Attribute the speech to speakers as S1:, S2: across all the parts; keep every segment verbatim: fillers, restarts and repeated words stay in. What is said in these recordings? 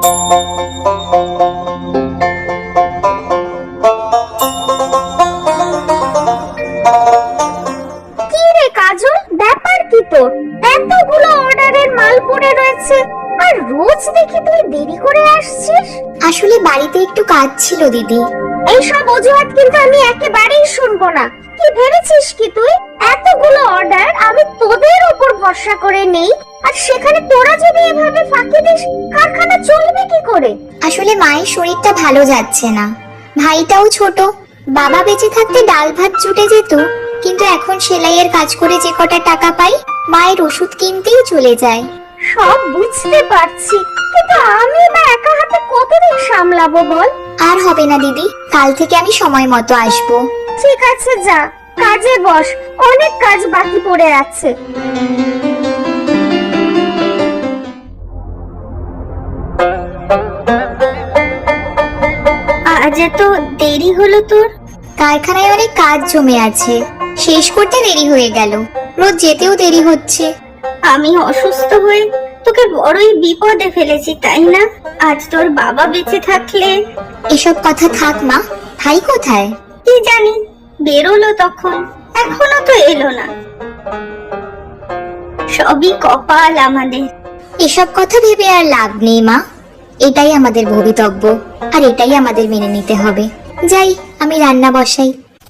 S1: কি রে কাজল, ব্যাপার কি তোর? এতগুলো অর্ডারের মাল পড়ে রয়েছে আর রোজ দেখি তুই দেরি করে আসছিস।
S2: আসলে বাড়িতে একটু কাজ ছিল দিদি।
S1: এইসব অজুহাত কিন্তু আমি একেবারেই শুনবো না। কি ভেবেছিস কি তুই এতগুলো অর্ডার আমি তোদের উপর ভরসা করে নেই, আর সেখানে তোরা যদি এভাবে ফাঁকি দিস কারখানা চলবে কি করে?
S2: আসলে মায়ের শরীরটা ভালো যাচ্ছে না, ভাইটাও ছোট। বাবা বেঁচে থাকতে ডাল ভাত জুটে যেত, কিন্তু এখন সেলাইয়ের কাজ করে যে কটা টাকা পাই মায়ের ওষুধ কিনতেই চলে যায়।
S1: সব বুঝতে পারছি, কিন্তু আমি বা একা হাতে কতদিন সামলাবো বল?
S2: আর হবে না দিদি, কাল থেকে আমি সময় মতো আসবো।
S1: ঠিক আছে, যা কাজে বস, অনেক কাজ বাকি পড়ে আছে।
S2: আজ এত দেরি হলো তোর? কারখানায় অনেক কাজ জমে আছে, শেষ করতে দেরি হয়ে গেল। রোজ যেতেও দেরি হচ্ছে।
S3: আমি অসুস্থ হয়ে তোকে বড়ই বিপদে ফেলেছি, তাই না? আজ তোর বাবা বেঁচে থাকলে।
S2: এসব কথা থাক মা, ভাই কোথায়?
S3: কি জানি, বেরোলো তখন, এখনো তো এলো না। সবই কপাল আমাদের।
S2: এসব কথা ভেবে আর লাভ নেই মা, এটাই আমাদের ভবিতব্য, আর এটাই আমাদের মেনে নিতে হবে। যাই, আমি রান্না বসাই।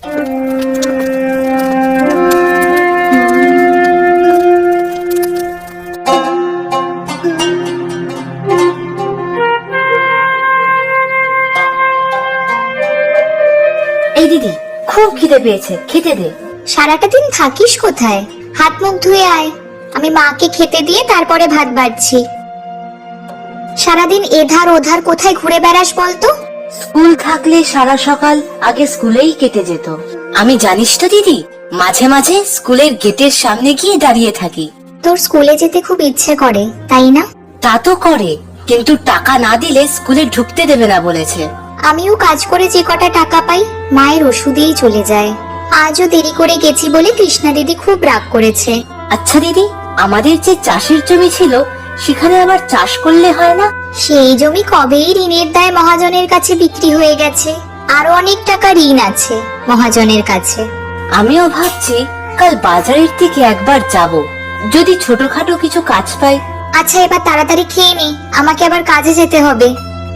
S4: এই দিদি, খুব খিদে পেয়েছে, খেতে দে।
S2: সারাটা দিন থাকিস কোথায়? হাত মুখ ধুয়ে আয়, আমি মাকে খেতে দিয়ে তারপরে ভাত বাড়ছি। সারাদিন এধার ওধার কোথায় ঘুরে বেড়াস বলতো?
S4: স্কুল থাকলে সারা সকাল আগে স্কুলেই কেটে যেত। আমি জানিস তো দিদি, মাঝে মাঝে স্কুলের গেটের সামনে গিয়ে দাঁড়িয়ে থাকি।
S2: তোর স্কুলে যেতে খুব ইচ্ছে করে, তাই না?
S4: তা তো করে, কিন্তু টাকা না দিলে স্কুলে ঢুকতে দেবে না বলেছে।
S2: আমিও কাজ করে যে কটা টাকা পাই মায়ের ওষুধেই চলে যায়। আজও দেরি করে গেছি বলে কৃষ্ণা দিদি খুব রাগ করেছে।
S4: আচ্ছা দিদি, আমাদের যে চাষের জমি ছিল সেখানে আবার চাষ করলে হয় না?
S2: সেই জমি কবেই ঋণের দায় মহাজনের কাছে বিক্রি হয়ে গেছে, আরো অনেক টাকা ঋণ আছে মহাজনের কাছে।
S4: আমিও ভাবছি কাল বাজারের দিকে একবার যাব, যদি ছোটখাটো কিছু কাজ পাই।
S2: আচ্ছা, এবার তাড়াতাড়ি খেয়ে নে, আমাকে আবার কাজে যেতে হবে।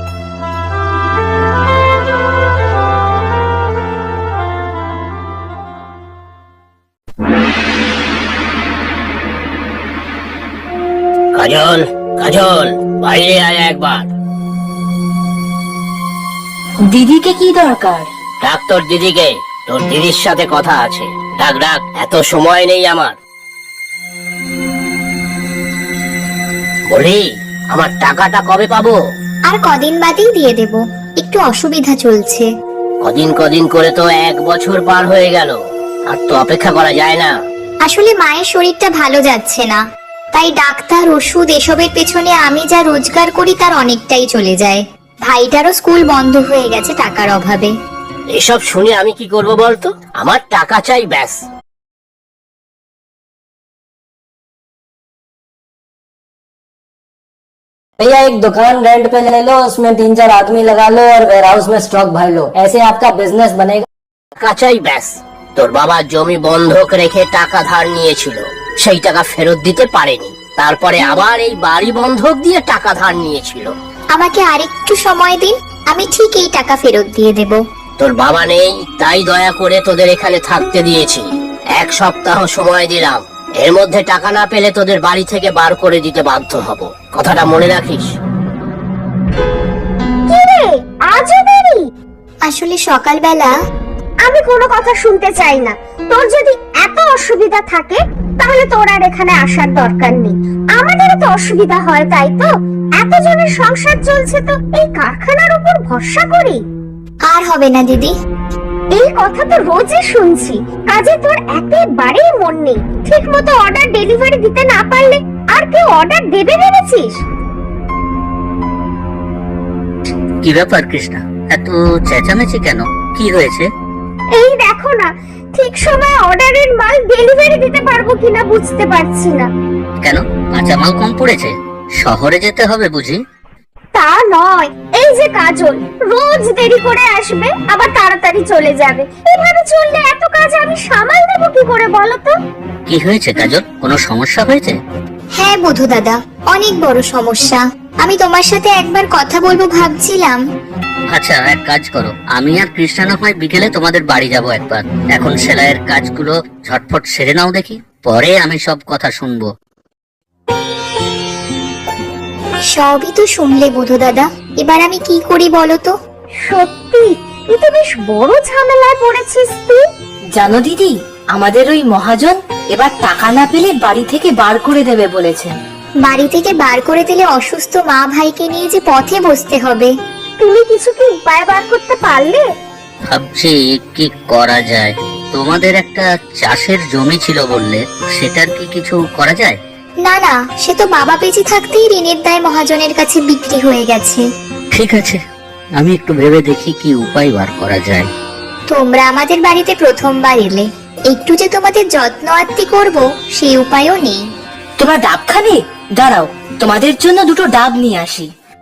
S5: কাজল, কাজল, বাইরে আয় একবার।
S4: দিদিকে কি দরকার?
S5: ডাক তোর দিদিকে, তোর দিদির সাথে কথা আছে। ডাক ডাক, এত সময় নেই আমার। বলি, আমার টাকাটা কবে পাবো?
S2: আর কদিন বাদেই দিয়ে দেব, একটু অসুবিধা চলছে।
S5: কদিন কদিন করে তো এক বছর পার হয়ে গেল, আর তো অপেক্ষা করা যায় না।
S2: আসলে মায়ের শরীরটা ভালো যাচ্ছে না, তাই ডাক্তার, ওষুধ এসবের পেছনে আমি যা রোজগার করি তার অনেকটাই চলে যায়। ভাইটারও স্কুল বন্ধ হয়ে গেছে টাকার অভাবে।
S5: এসব শুনে আমি কি করব বলতো? আমার টাকা চাই, ব্যাস।
S6: भैया एक दुकान रेंट पे ले लो, उसमें तीन चार आदमी लगा लो और वेयर हाउस में स्टॉक भर लो, ऐसे आपका बिजनेस बनेगा।
S5: টাকা চাই, ব্যাস। তোর বাবা জমি বন্ধক রেখে টাকা ধার নিয়েছিল, সেই টাকা ফেরত দিতে পারেনি। তারপরে আবার এই বাড়ি বন্ধক দিয়ে টাকা ধার নিয়েছিল।
S2: আমাকে আরেকটু সময় দিন, আমি ঠিক এই টাকা ফেরত দিয়ে দেব।
S5: তোর বাবা নেই, তাই দয়া করে তোদের এখানে থাকতে দিয়েছি। এক সপ্তাহ সময় দিলাম, এর মধ্যে টাকা না পেলে তোদের বাড়ি থেকে বার করে দিতে বাধ্য হব। কথাটা মনে রাখিস।
S1: কি রে, আজও দেরি?
S2: আসলে সকালবেলা
S1: আমি কোনো কথা শুনতে চাই না। তোর যদি এত অসুবিধা থাকে তাহলে তোর আর এখানে আসার দরকার নেই। আমাদের তো অসুবিধা হয়, তাই তো এতজনের সংসার চলছে, তো এই কারখানার উপর ভরসা করি।
S2: আর হবে না দিদি।
S1: এই কথা তো রোজই শুনছি, কাজে তোর একেবারেই মন নেই। ঠিক মতো অর্ডার ডেলিভারি দিতে না পারলে আর কেউ অর্ডার দেবে ভেবেছিস?
S7: কি ব্যাপার কৃষ্ণা, এত চেঁচামেচি কেন? কি হয়েছে?
S1: এই দেখো না, ঠিক সময় অর্ডারের মাল ডেলিভারি দিতে পারবো কিনা বুঝতে পারছি না।
S7: কেন, কাঁচা মাল কম পড়েছে? শহরে যেতে হবে বুঝি?
S1: তা নয়, এই যে কাজল রোজ দেরি করে আসবে আবার তাড়াতাড়ি চলে যাবে, এভাবে চললে এত কাজ আমি সামাল দেবো কি করে বলো তো?
S7: কি হয়েছে কাজল, কোনো সমস্যা হয়েছে?
S2: হ্যাঁ বধূ দাদা, অনেক বড় সমস্যা। আমি তোমার সাথে একবার কথা বলবো ভাবছিলাম।
S7: আচ্ছা এক কাজ করো, আমি আর কৃষ্ণা না হয় বিকেলে তোমাদের বাড়ি যাব একবার। এখন সেলাইয়ের কাজগুলো ঝটফট সেরে নাও দেখি, পরে আমি সব কথা শুনবো।
S2: সবই তো শুনলে বধূ দাদা, এবার আমি কি করি বলো তো?
S1: সত্যি তুই তো বেশ বড় ঝামেলায় পড়েছিস তুই।
S4: জানো দিদি, আমাদের ওই মহাজন এবার টাকা না পেলে বাড়ি থেকে বার করে দেবে বলেছে।
S2: বাড়ি থেকে বার করে দিলে অসুস্থ মা ভাইকে নিয়ে যে পথে বসতে হবে।
S1: তুমি কিছু কি উপায় বার করতে পারলে?
S7: ভাবছি কি করা যায়। তোমাদের একটা চাষের জমি ছিল বললে, সেটার কি কিছু করা যায়?
S2: না না, সে তো বাবা বেঁচে থাকতেই ঋণের দায় মহাজনের কাছে বিক্রি হয়ে গেছে।
S7: ঠিক আছে, আমি একটু ভেবে দেখি কি উপায় বার করা যায়।
S2: তোমরা আমাদের বাড়িতে প্রথমবার এলে, একটু যে তোমাদের যত্ন আত্তি করবো সেই উপায়ও নেই।
S4: তোমার ডাব খাবে? দাঁড়াও, তোমাদের জন্য দুটো ডাব নিয়ে আসি।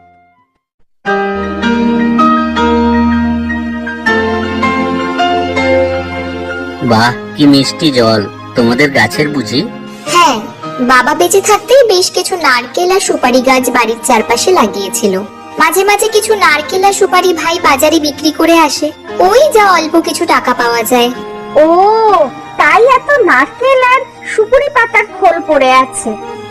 S7: বাহ, কি মিষ্টি জল! তোমাদের গাছের বুঝি?
S2: হ্যাঁ, বাবা বেঁচে থাকতেই বেশ কিছু নারকেল আর সুপারি গাছ বাড়ির চারপাশে লাগিয়েছিল। মাঝে মাঝে কিছু নারকেল আর সুপারি ভাই বাজারে বিক্রি করে আসে, ওই যা অল্প কিছু টাকা পাওয়া যায়।
S1: ও, তাই এত নারকেল আর সুপুরি পাতার খোল পড়ে আছে।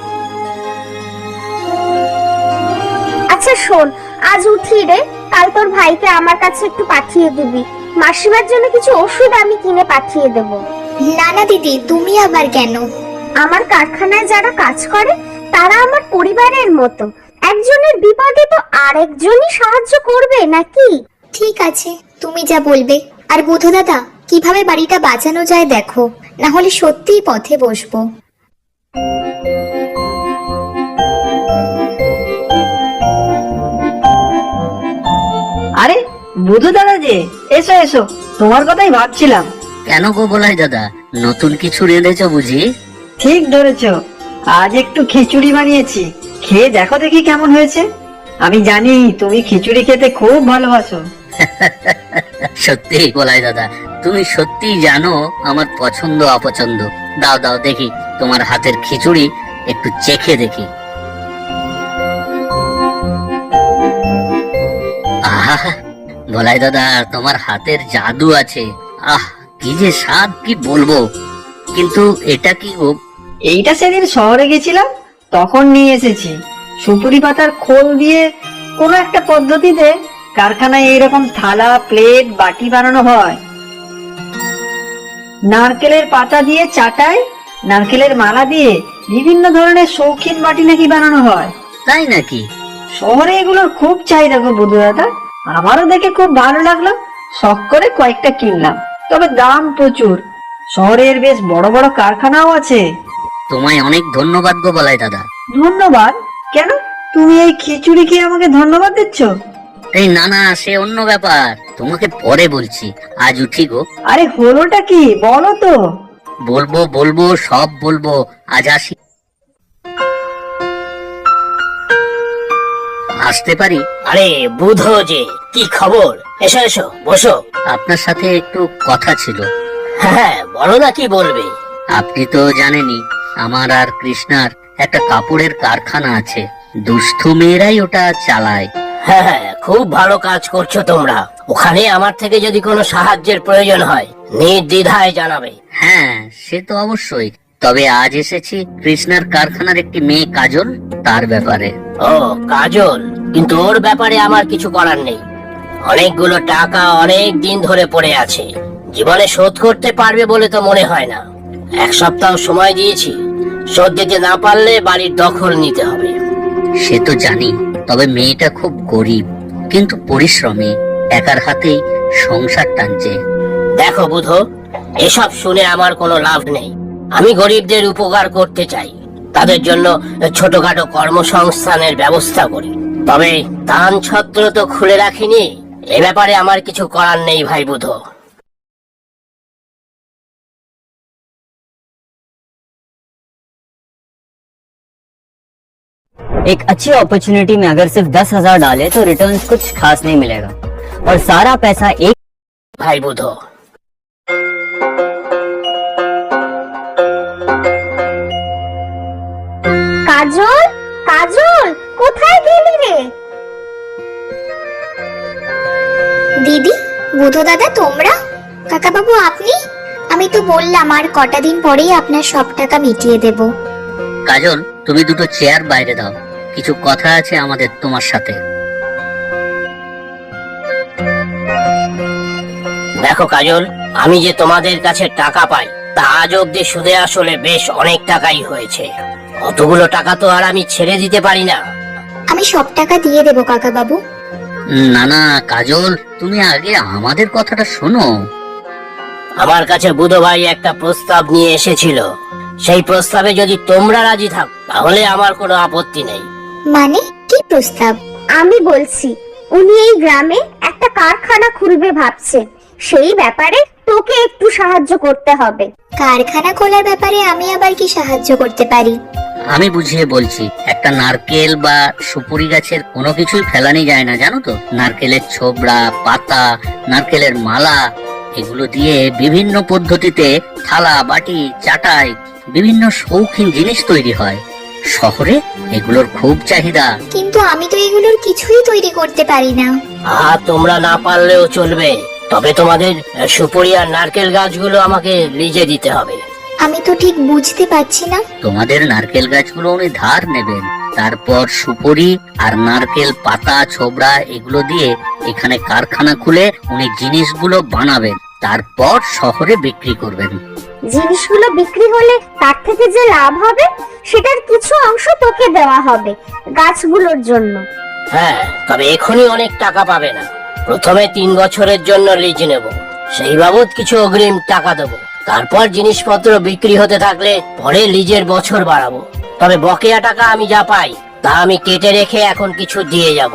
S1: আচ্ছা শোন, আজ উঠি রে, কাল তোর ভাইকে আমার কাছে একটু পাঠিয়ে দিবি। মাসিমার জন্য কিছু ওষুধ আমি কিনে পাঠিয়ে দেব।
S2: না না দিদি, তুমি আবার কেন?
S1: আমার কারখানায় যারা কাজ করে তারা আমার পরিবারের মতো, একজনের বিপদে তো আরেকজনই সাহায্য করবে নাকি?
S2: ঠিক আছে, তুমি যা বলবে। আর বুধু দাদা, কিভাবে বাড়িটা বাঁচানো যায় দেখো, না হলে সত্যিই পথে বসবো।
S8: আরে বুধু দাদা যে, এসো এসো, তোমার কথাই ভাবছিলাম।
S7: কেন গো বলাই দাদা, নতুন কিছু রেঁধেছো বুঝি?
S8: ঠিক ধরেছো, আজ একটু খিচুড়ি বানিয়েছি, খেয়ে দেখো দেখি কেমন হয়েছে। আমি জানি তুমি খিচুড়ি খেতে খুব ভালোবাসো।
S7: সত্যি বলাই দাদা, তুমি সত্যি জানো আমার পছন্দ অপছন্দ। দাও দাও দেখি তোমার হাতের খিচুড়ি একটু চেখে দেখি। আহা, বলাই দাদা তোমার হাতের জাদু আছে। আহ, কি যে স্বাদ, কি বলবো। কিন্তু এটা কি গো?
S8: এইটা সেদিন শহরে গেছিলাম, তখন নিয়ে এসেছি। সুপুরি পাতার খোল দিয়ে কোনো একটা পদ্ধতিতে কারখানায় এইরকম থালা, প্লেট, বাটি বানানো হয়। নারকেলের পাতা দিয়ে চাটাই, নারকেলের মালা দিয়ে বিভিন্ন ধরনের শৌখিন বাটি নাকি বানানো হয়।
S7: তাই নাকি?
S8: শহরে এগুলোর খুব চাহিদা গো বধূ দাদা, আমারও দেখে খুব ভালো লাগলো, শখ করে কয়েকটা কিনলাম। তবে দাম প্রচুর, শহরের বেশ বড় বড় কারখানাও আছে।
S7: তোমায় অনেক ধন্যবাদ গো বলাই দাদা।
S8: ধন্যবাদ কেন? তুমি এই খিচুড়ি খেয়ে আমাকে ধন্যবাদ দিচ্ছ?
S7: এই না না, সে অন্য ব্যাপার, তোমাকে পরে বলছি। আজ উঠি গো।
S8: আরে হলোটা কি বলো তো?
S7: বলবো বলবো, সব বলবো, আজ আসি। আসতে পারি?
S5: আরে বুধো যে, কি খবর? এসো এসো, বসো।
S7: আপনার সাথে একটু কথা ছিল।
S5: হ্যাঁ বলো না, কি বলবে?
S7: আপনি তো জানেনই আমার আর কৃষ্ণার একটা কাপড়ের কারখানা আছে। দুস্থ মেয়েরাই ওটা চালায়।
S5: হ্যাঁ হ্যাঁ, খুব ভালো কাজ করছো তোমরা। ওখানে আমার থেকে যদি কোনো সাহায্যের প্রয়োজন হয় নির্দ্বিধায় জানাবে।
S7: হ্যাঁ সে তো অবশ্যই, তবে আজ এসেছি কৃষ্ণার কারখানার একটি মেয়ে কাজল, তার ব্যাপারে।
S5: ও কাজল, কিন্তু ওর ব্যাপারে আমার কিছু করার নেই। অনেকগুলো টাকা অনেক দিন ধরে পড়ে আছে, জীবনে শোধ করতে পারবে বলে তো মনে হয় না। এক সপ্তাহ সময় দিয়েছি, শোধ দিতে না পারলে বাড়ির দখল নিতে হবে।
S7: সে তো জানি, তবে মেয়েটা খুব গরিব কিন্তু পরিশ্রমী, একার হাতেই সংসার টানছে।
S5: দেখো বুধো, এসব শুনে আমার কোনো লাভ নেই। আমি গরিবদের উপকার করতে চাই, তাদের জন্য ছোটখাটো কর্মসংস্থানের ব্যবস্থা করি। তবে দান ছত্র তো খুলে রাখিনি, এ ব্যাপারে আমার কিছু করার নেই ভাই বুধো।
S6: एक अच्छी अपॉर्चुनिटी में अगर सिर्फ दस हजार डाले तो रिटर्न कुछ खास नहीं मिलेगा, और सारा पैसा एक
S5: ভাই বুধ,
S1: কাজল, কাজল, কোথায় গেলি রে?
S2: দিদি, বুধো দাদা, তোমরা? কাকা বাবু আপনি? আমি তো বললাম আর কটা দিন পরেই আপনার সব টাকা মিটিয়ে দেব।
S7: কাজল, তুমি দুটো চেয়ার বাইরে দাও, কিছু কথা আছে আমাদের তোমার সাথে।
S5: দেখো কাজল, আমি যে তোমাদের কাছে টাকা পাই তা আজ অব্দি সুদে আসলে বেশ অনেক টাকাই হয়েছে। অতগুলো টাকা তো আর আমি ছেড়ে দিতে পারি না।
S2: আমি সব টাকা দিয়ে দেব কাকা বাবু।
S7: না না কাজল, তুমি আগে আমাদের কথাটা শোনো।
S5: আমার কাছে বুধ ভাই একটা প্রস্তাব নিয়ে এসেছিল, সেই প্রস্তাবে যদি তোমরা রাজি থাক তাহলে আমার কোনো আপত্তি নেই।
S2: মানে কি প্রস্তাব?
S1: আমি বলছি, উনি এই গ্রামে একটা কারখানা খুলবে ভাবছে, সেই ব্যাপারে তোকে একটু সাহায্য করতে হবে।
S2: কারখানা খোলার ব্যাপারে আমি আবার কি সাহায্য করতে পারি?
S7: আমি বুঝিয়ে বলছি, একটা নারকেল বা সুপুরি গাছের কোনো কিছুই ফেলানি যায় না, জানো তো। নারকেলের ছোবড়া, পাতা, নারকেলের মালা, এগুলো দিয়ে বিভিন্ন পদ্ধতিতে থালা, বাটি, চাটাই, বিভিন্ন শৌখিন জিনিস তৈরি হয়। শহরে এগুলোর খুব চাহিদা।
S2: কিন্তু আমি তো এগুলোর কিছুই তৈরি করতে পারি না।
S5: আহা, তোমরা না পারলেও চলবে, তবে তোমাদের সুপুরি আর নারকেল গাছগুলো আমাকে লিজে দিতে হবে।
S2: আমি তো ঠিক বুঝতে পারছি না।
S7: তোমাদের নারকেল গাছগুলো উনি ধার নেবেন, তারপর সুপুরি আর নারকেল পাতা, ছোবড়া এগুলো দিয়ে এখানে কারখানা খুলে উনি জিনিসগুলো বানাবেন, তারপর শহরে বিক্রি করবেন।
S1: জিনিসগুলো বিক্রি হলে তার থেকে যে লাভ হবে সেটার কিছু অংশ তোকে দেওয়া হবে গাছগুলোর জন্য।
S5: হ্যাঁ, তবে এখনই অনেক টাকা পাবে না। প্রথমে তিন বছরের জন্য লিজ নেব, সেই বাবদ কিছু অগ্রিম টাকা দেবো। তারপর জিনিসপত্র বিক্রি হতে থাকলে পরে লিজের বছর বাড়াবো। তবে বকেয়া টাকা আমি যা পাই তা আমি কেটে রেখে এখন কিছু দিয়ে যাব।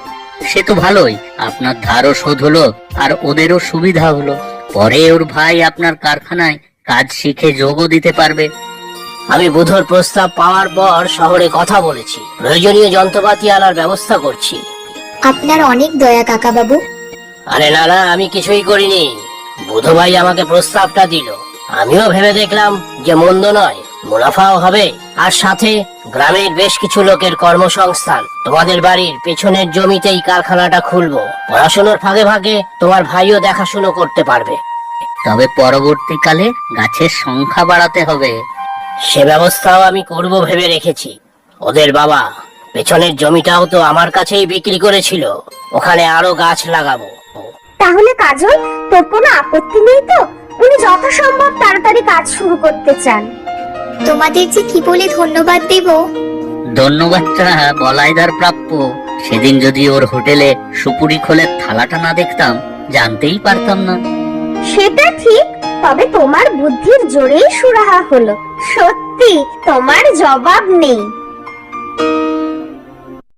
S7: সে তো ভালোই, আপনার ধারও শোধ হলো আর ওদেরও সুবিধা হলো। পরে ওর ভাই আপনার কারখানায় কাজ শিখে যোগও দিতে পারবে।
S5: আমি বুধর প্রস্তাব পাওয়ার পর শহরে কথা বলেছি, প্রয়োজনীয় যন্ত্রপাতি আনার ব্যবস্থা করছি।
S2: আপনার অনেক দয়া কাকা বাবু।
S5: আরে না না, আমি কিছুই করিনি। বুধ ভাই আমাকে প্রস্তাবটা দিল, আমিও ভেবে দেখলাম যে মন্দ নয়, মুনাফাও হবে, আর সাথে গ্রামের বেশ কিছু লোকের কর্মসংস্থান। তোমাদের বাড়ির পেছনের জমিতেই কারখানাটা খুলবো, পড়াশোনার ফাঁকে ফাঁকে তোমার ভাইও দেখাশুনো করতে পারবে।
S7: তবে পরবর্তীকালে গাছের সংখ্যা বাড়াতে হবে।
S5: সে ব্যবস্থাও আমি করব ভেবে রেখেছি। ওদের বাবা পেছনের জমিটাও তো আমার কাছেই বিক্রি করেছিল, ওখানে আরো গাছ লাগাবো।
S1: তাহলে কাজল, তোর কোনো আপত্তি নেই তো? উনি যথাসম্ভব তাড়াতাড়ি কাজ শুরু করতে চান।
S2: তোমাদের যে কি বলে ধন্যবাদ দেব।
S7: ধন্যবাদটা বলাইদার প্রাপ্য। সেদিন যদি ওর হোটেলে সুপুরি খোলের থালাটা না দেখতাম, জানতেই পারতাম না।
S1: সেটা ঠিক, তবে তোমার বুদ্ধির জোরেই সুরাহা হলো। সত্যি তোমার জবাব নেই।